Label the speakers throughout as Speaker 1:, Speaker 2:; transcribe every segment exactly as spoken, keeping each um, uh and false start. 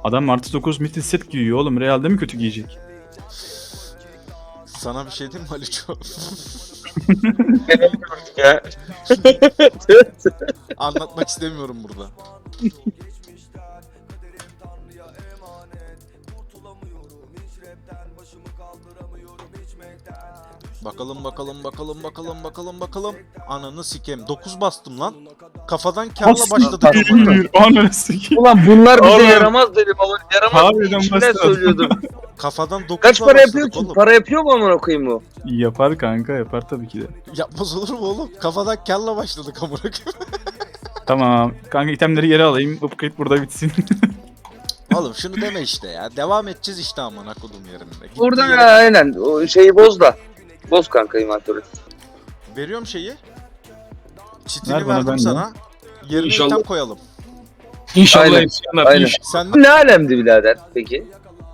Speaker 1: Adam artı dokuz mitil set giyiyor oğlum. Real'de mi kötü giyecek?
Speaker 2: Sana bir şey diyeyim mi Aliço?
Speaker 3: Ya.
Speaker 2: Anlatmak istemiyorum burada. Bakalım bakalım bakalım bakalım bakalım bakalım. Ananı sikem. dokuz bastım lan. Kafadan karla başladık.
Speaker 1: Ananı sikeyim.
Speaker 3: Ulan bunlar bize
Speaker 1: Oğlum.
Speaker 3: yaramaz dedim ama yaramaz.
Speaker 1: Harbiden
Speaker 3: İçimden
Speaker 1: başladı.
Speaker 3: söylüyordum.
Speaker 2: Kafadan dokuzla
Speaker 3: Kaç para yapıyor
Speaker 2: başladık
Speaker 3: ki?
Speaker 2: oğlum.
Speaker 3: Para yapıyor mu amına koyayım bu?
Speaker 1: Yapar kanka, yapar tabii ki de.
Speaker 2: Yapmaz olur mu oğlum? Kafadan karla başladık amına koyayım.
Speaker 1: Tamam. Kanka itemleri geri alayım. Upgrade burada bitsin.
Speaker 2: Oğlum şunu deme işte ya. Devam edeceğiz işte amına kodum yerinde. Gittiği
Speaker 3: Buradan
Speaker 2: yere-
Speaker 3: ya, aynen o şeyi boz da. Boz kanka inventörü.
Speaker 2: Veriyorum şeyi. Çitini
Speaker 1: Ver bana,
Speaker 2: verdim
Speaker 1: ben de.
Speaker 2: sana. Yerine
Speaker 4: İnşallah.
Speaker 2: item koyalım.
Speaker 4: İnşallah
Speaker 3: Aynen,
Speaker 4: yetişenler.
Speaker 3: aynen.
Speaker 4: İnşallah.
Speaker 2: Sen
Speaker 3: Ne alemdi birader peki?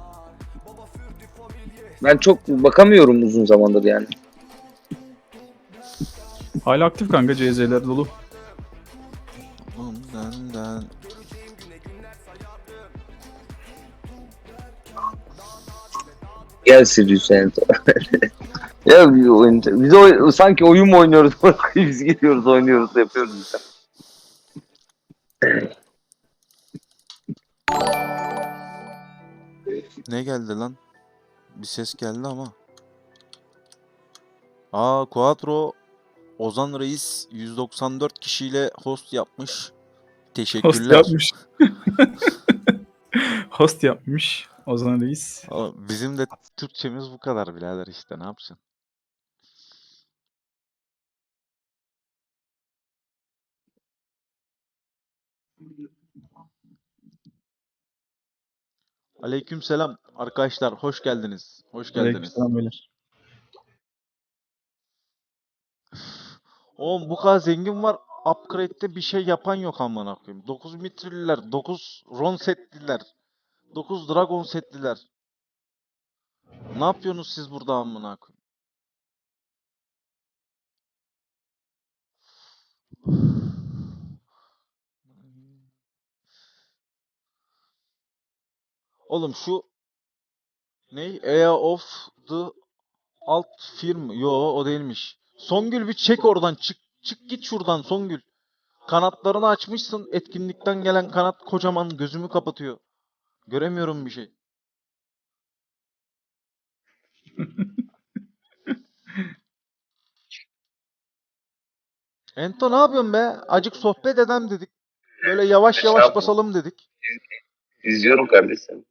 Speaker 3: Ben çok bakamıyorum uzun zamandır yani.
Speaker 1: Hala aktif kanka, C Z'ler dolu.
Speaker 2: Bundan
Speaker 3: Gel Sirius sen. Ya bir oyun, biz oy- sanki oyun mu oynuyoruz? Biz gidiyoruz oynuyoruz yapıyoruz işte.
Speaker 2: ne geldi lan? Bir ses geldi ama. Aa Quattro Ozan Reis yüz doksan dört kişiyle host yapmış.
Speaker 1: Host
Speaker 2: Teşekkürler.
Speaker 1: yapmış. Host yapmış Ozan Reis.
Speaker 2: Aa, Bizim de Türkçemiz bu kadar birader işte ne yapacaksın? Aleykümselam arkadaşlar hoş geldiniz. Hoş geldiniz.
Speaker 1: Aleykümselam beyler.
Speaker 2: Oğlum bu kadar zengin var. Upgrade'de bir şey yapan yok amına koyayım. dokuz mitriller, dokuz Ron setliler, dokuz Dragon setliler. Ne yapıyorsunuz siz burada amına koyayım? Oğlum şu ne? Area of the Alt Firm. Yo o değilmiş. Songül bir çek oradan. Çık çık git şuradan Songül. Kanatlarını açmışsın. Etkinlikten gelen kanat kocaman gözümü kapatıyor. Göremiyorum bir şey. Ento ne yapıyorsun be? Acık sohbet edem dedik. Böyle yavaş yavaş
Speaker 3: Estağfurullah.
Speaker 2: basalım dedik.
Speaker 3: İzliyorum kardeşim.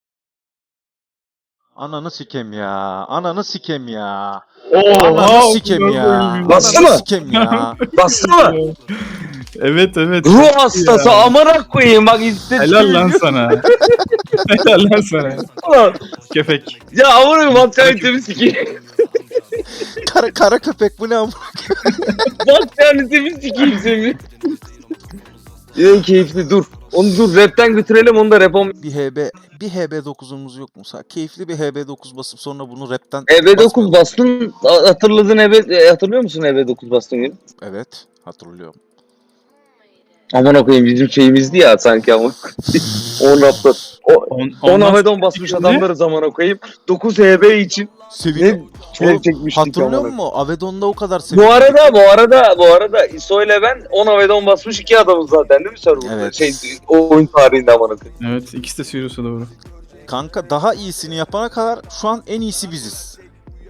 Speaker 2: Ananı sikem ya. Ananı sikem ya.
Speaker 1: Oha!
Speaker 2: Ananı sikem ya.
Speaker 3: Bastı
Speaker 2: Ananı
Speaker 3: mı?
Speaker 2: sikem ya.
Speaker 3: Bastı mı?
Speaker 1: Evet evet.
Speaker 3: Ruh hastası amına koyayım bak istedim.
Speaker 1: Helal lan sana. Helal lan sana. Köpek.
Speaker 3: Ya amına koyayım matkanitemi sikeyim.
Speaker 2: Kara, kara köpek bu ne amına?
Speaker 3: Matkanitemi sikeyim seni. En keyifli dur. Onu dur rapten götürelim onu da rap on.
Speaker 2: Bir H B bir H B dokuzumuz yok mu? Sa- Keyifli bir H B dokuz basıp sonra bunu rapten
Speaker 3: E B dokuz
Speaker 2: basmayalım.
Speaker 3: bastın hatırladın E B e, hatırlıyor musun E B dokuz bastın gün?
Speaker 2: Evet, hatırlıyorum.
Speaker 3: Aman koyayım bizim şeyimizdi ya sanki ama. on raptor.
Speaker 1: On,
Speaker 3: on
Speaker 1: ondan-
Speaker 3: Avedon basmış adamlarız amına koyayım. dokuz H B için
Speaker 2: Sevindim.
Speaker 3: ne şey
Speaker 2: Oğlum,
Speaker 3: çekmiştik
Speaker 2: hatırlıyor
Speaker 3: amına.
Speaker 2: musun? Avedon'da o kadar
Speaker 3: Bu
Speaker 2: sevindim.
Speaker 3: arada bu arada bu arada İso ile ben on Avedon basmış iki adamız zaten değil mi serverda?
Speaker 2: Evet.
Speaker 3: Şey o oyun tarihinde amına koyayım.
Speaker 1: Evet, ikisi de Sirius'a doğru.
Speaker 2: Kanka daha iyisini yapana kadar şu an en iyisi biziz.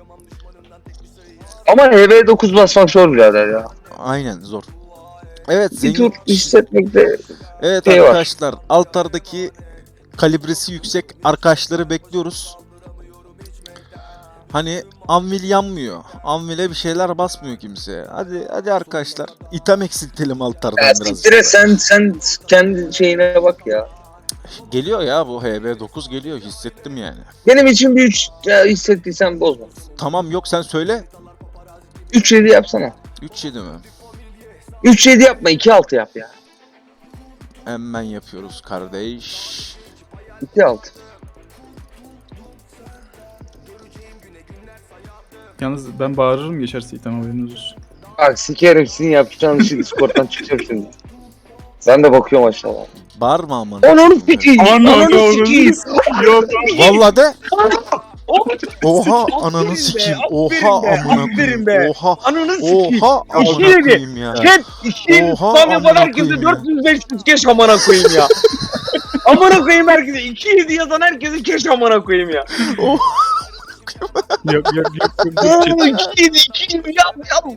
Speaker 3: Ama H B dokuz basmak zor birader ya.
Speaker 2: Aynen zor. Evet
Speaker 3: Bir
Speaker 2: zengin.
Speaker 3: tur hissetmekte
Speaker 2: Evet
Speaker 3: şey var.
Speaker 2: arkadaşlar altardaki kalibresi yüksek arkadaşları bekliyoruz. Hani Anvil yanmıyor. Anvil'e bir şeyler basmıyor kimse. Hadi hadi arkadaşlar. İtem eksiltelim altardan
Speaker 3: ya
Speaker 2: biraz.
Speaker 3: siktire sen sen kendi şeyine bak ya.
Speaker 2: Geliyor ya bu H B dokuz geliyor hissettim yani.
Speaker 3: Benim için bir üç ya hissettiysen bozma.
Speaker 2: Tamam yok sen söyle.
Speaker 3: üç yedi yapsana.
Speaker 2: üç yedi mi?
Speaker 3: üç yedi yapma iki altı yap ya.
Speaker 2: Hemen yapıyoruz kardeş.
Speaker 3: iki altı.
Speaker 1: Yalnız ben bağırırım geçerse item, haberiniz olsun.
Speaker 3: Bak sikerim sizin yapacağınız işi Discord'dan çıkacağım şimdi. Ben de bakıyorum aşağıdan.
Speaker 4: Bağırma aman.
Speaker 3: Ananı sikeyim.
Speaker 1: Ananı
Speaker 3: Ananı sikeyim.
Speaker 1: Yok.
Speaker 4: Vallahi de. Oha
Speaker 5: Aferin
Speaker 4: ananı
Speaker 5: be,
Speaker 4: sikeyim.
Speaker 5: aferin
Speaker 4: Oha
Speaker 5: be,
Speaker 4: amına
Speaker 5: aferin
Speaker 4: koyayım.
Speaker 5: be.
Speaker 4: Oha.
Speaker 5: Ananı sikeyim.
Speaker 4: Oha amına
Speaker 5: İki yedi.
Speaker 4: koyayım ya.
Speaker 5: Chat iki
Speaker 4: Oha,
Speaker 5: spam yapan
Speaker 4: amına
Speaker 5: herkese
Speaker 4: koyayım ya.
Speaker 5: dört yüz beş yüz keş amına koyayım ya. Amına koyayım herkese. iki yedi yazan herkese keş amına koyayım ya.
Speaker 4: Oha.
Speaker 1: Yok yok yok.
Speaker 5: Oo iki yedi iki yedi yap yap.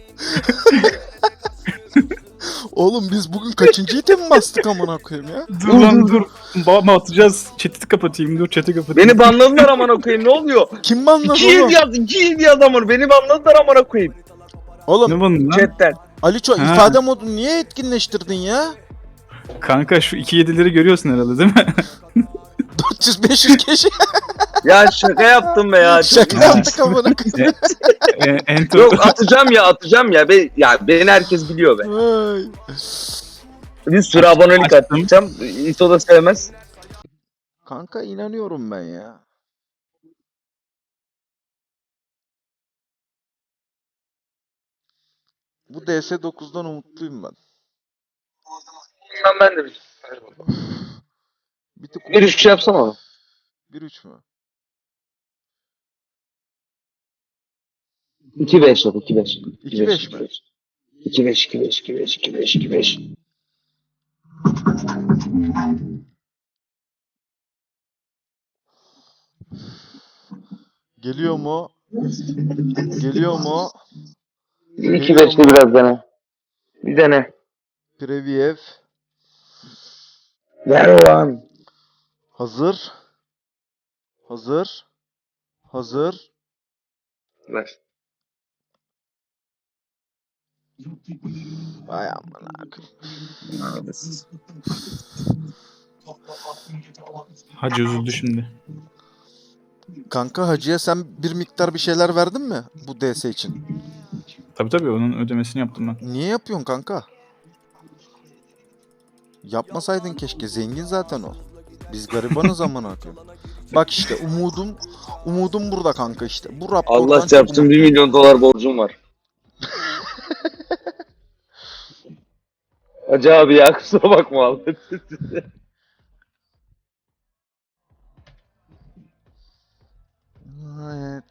Speaker 4: Oğlum biz bugün kaçıncı item bastık amına koyayım ya?
Speaker 1: Dur lan dur. Babama atacağız. Chat'i kapatayım. Dur chat'i kapatayım.
Speaker 5: Beni banladılar amına koyayım ne oluyor?
Speaker 4: Kim banladı
Speaker 5: iki
Speaker 4: oğlum?
Speaker 5: yedi yaz iki yedi yaz amına beni banladılar amına koyayım.
Speaker 4: Oğlum
Speaker 1: Ne bunun lan?
Speaker 5: Chatten.
Speaker 4: Aliço
Speaker 1: Ha.
Speaker 4: ifade modunu niye etkinleştirdin ya?
Speaker 1: Kanka şu iki yedileri görüyorsun herhalde değil mi?
Speaker 4: dört yüz beş yüz kişi
Speaker 5: Ya şaka yaptım be ya.
Speaker 4: şaka yaptık amına koyayım.
Speaker 1: e, enter.
Speaker 5: Yok atacağım ya atacağım ya. Be, ya beni herkes biliyor be.
Speaker 4: Ay.
Speaker 5: Bir sürü abonelik
Speaker 1: Açtım.
Speaker 5: atacağım. İso da sevmez. Kanka inanıyorum ben ya. Bu D S dokuzdan umutluyum ben.
Speaker 3: Ben, ben de bir.
Speaker 5: Bir tık
Speaker 3: Bir üç şey yapsana.
Speaker 5: bir üç mü?
Speaker 3: iki beş yap iki beş.
Speaker 5: iki beş mi?
Speaker 3: iki beş iki beş iki beş iki beş iki beş.
Speaker 5: Geliyor mu? Geliyor mu?
Speaker 3: iki beşte biraz dene. Bir dene.
Speaker 5: Previev.
Speaker 3: Ver ulan.
Speaker 5: Hazır. Hazır. Hazır.
Speaker 3: Ver.
Speaker 5: Vay amına koyayım.
Speaker 1: Hacı üzüldü şimdi.
Speaker 4: Kanka hacıya sen bir miktar bir şeyler verdin mi bu D S için?
Speaker 1: Tabii tabii onun ödemesini yaptım ben.
Speaker 4: Niye yapıyorsun kanka? Yapmasaydın keşke. Zengin zaten o. Biz garibanız amına koyayım. Bak işte umudum umudum burada kanka işte. Bu raptordan
Speaker 3: Allah
Speaker 4: çok
Speaker 3: çarpsın bir milyon dolar borcum var. Hacı abi ya kusura bakma abi.
Speaker 5: Evet.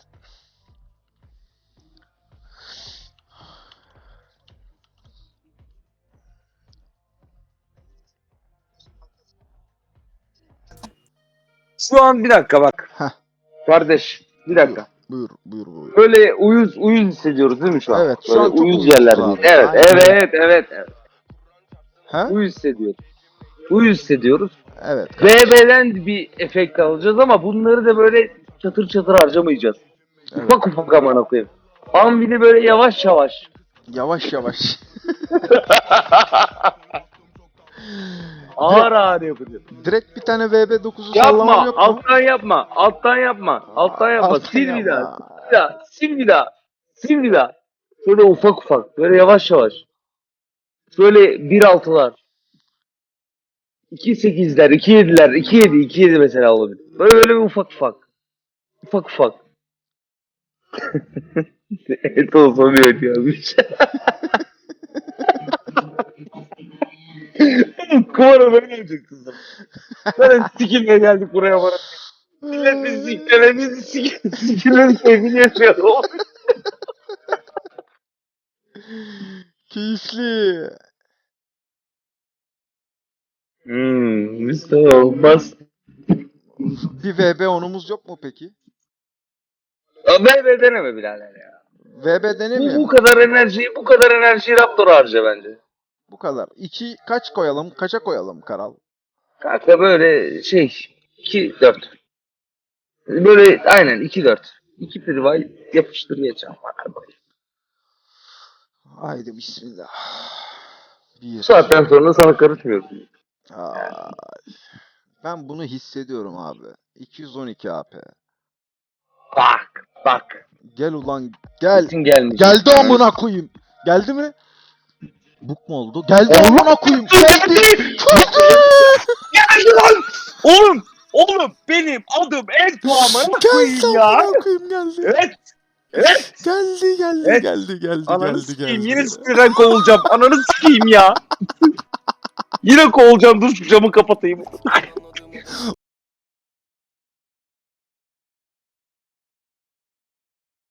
Speaker 3: Şu an bir dakika bak.
Speaker 5: Heh.
Speaker 3: Kardeş bir dakika.
Speaker 5: Buyur buyur buyur.
Speaker 3: Böyle uyuz uyuz hissediyoruz değil mi şu an?
Speaker 5: Evet, şu
Speaker 3: Böyle
Speaker 5: an çok
Speaker 3: uyuz
Speaker 5: uyuzuz
Speaker 3: yerlerdeyiz.
Speaker 5: abi.
Speaker 3: Evet,
Speaker 5: Aynen.
Speaker 3: evet, evet, evet.
Speaker 5: He?
Speaker 3: Uyuz hissediyoruz. Uyuz hissediyoruz.
Speaker 5: Evet.
Speaker 3: B B'den bir efekt alacağız ama bunları da böyle çatır çatır harcamayacağız.
Speaker 5: Evet.
Speaker 3: Ufak ufak amına koyayım. Anvili böyle yavaş yavaş.
Speaker 5: Yavaş yavaş.
Speaker 3: Ağır ağır yapacağız.
Speaker 5: Direkt bir tane V B dokuzu sallamam
Speaker 3: Yapma,
Speaker 5: yok mu?
Speaker 3: alttan yapma, alttan yapma, alttan yapma.
Speaker 5: Alttan
Speaker 3: sil bir
Speaker 5: yapma.
Speaker 3: daha, sil bir daha, sil bir daha, sil bir daha. Şöyle ufak ufak, böyle yavaş yavaş. Şöyle bir altılar. iki sekizler, iki yediler, iki yedi, iki yedi mesela olabilir. Böyle böyle bir ufak ufak. Ufak ufak. Et olsa bir et yazmış. Kumara böyle olacak kızım. Böyle sikilmeye geldik buraya bana. Millet bizi sikilmeye, bizi sikilmeye, sikilmeye keyfini yaşıyor.
Speaker 5: Keyifli.
Speaker 3: Hmm, Mustafa olmaz.
Speaker 5: Bir V B onumuz yok mu peki?
Speaker 3: B B deneme birader ya.
Speaker 5: V B
Speaker 3: Bu,
Speaker 5: denemiyor.
Speaker 3: bu kadar enerjiyi, bu kadar enerjiyi Raptor'a harca bence.
Speaker 5: Bu kadar. İki kaç koyalım? Kaça koyalım Karal?
Speaker 3: Kanka böyle şey, iki dört. Böyle aynen iki dört. iki privay yapıştır geçeceğim.
Speaker 5: Haydi bismillah. Bir.
Speaker 3: Bu saatten sonra sana karışmıyorum.
Speaker 5: Ay. Ben bunu hissediyorum abi. iki yüz on iki A P.
Speaker 3: Bak, bak.
Speaker 5: Gel ulan gel.
Speaker 3: Kesin gelmiş.
Speaker 5: Geldi amına koyayım. Geldi mi? Buk mu oldu? Geldi amına koyayım. Geldi.
Speaker 3: Geldi lan!
Speaker 5: Oğlum, oğlum benim adım Ertuğ amına koyayım
Speaker 4: Geldi
Speaker 5: ya.
Speaker 4: amına koyayım geldi.
Speaker 5: Evet. Evet.
Speaker 4: Geldi geldi
Speaker 5: Evet.
Speaker 4: geldi geldi
Speaker 5: Ananı
Speaker 4: geldi
Speaker 5: sikeyim.
Speaker 4: geldi.
Speaker 5: Yine sinirden kovulacağım. Ananı sikeyim ya. Yine kovulacağım, dur şu camı kapatayım.